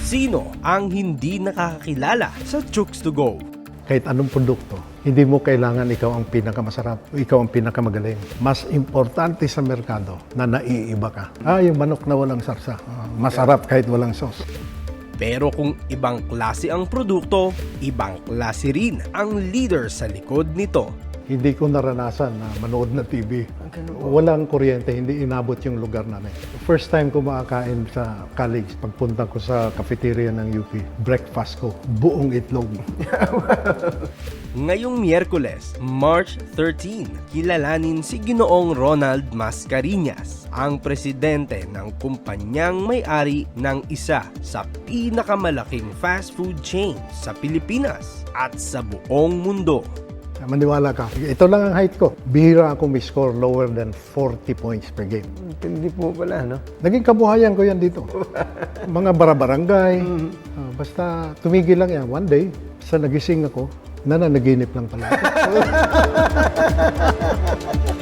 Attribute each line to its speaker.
Speaker 1: Sino ang hindi nakakakilala sa Chooks to Go?
Speaker 2: Kahit anong produkto, hindi mo kailangan ikaw ang pinakamasarap o ikaw ang pinakamagaling. Mas importante sa merkado na naiiba ka. Yung manok na walang sarsa, masarap kahit walang sauce.
Speaker 1: Pero kung ibang klase ang produkto, ibang klase rin ang leader sa likod nito.
Speaker 2: Hindi ko naranasan na manood na TV. Walang kuryente, hindi inabot yung lugar namin. First time ko makakain sa college, pagpunta ko sa cafeteria ng UP, breakfast ko, buong itlog.
Speaker 1: Ngayong Miyerkules, March 13, kilalanin si Ginoong Ronald Mascareñas, ang presidente ng kumpanyang may-ari ng isa sa pinakamalaking fast food chain sa Pilipinas at sa buong mundo.
Speaker 2: Maniwala ka, ito lang ang height ko. Bihira ako may score lower than 40 points per game.
Speaker 3: Hindi po pala, no?
Speaker 2: Naging kabuhayan ko yan dito. Mga barabarangay. Basta tumigil lang yan. One day, sa nagising ako, nananaginip lang pala.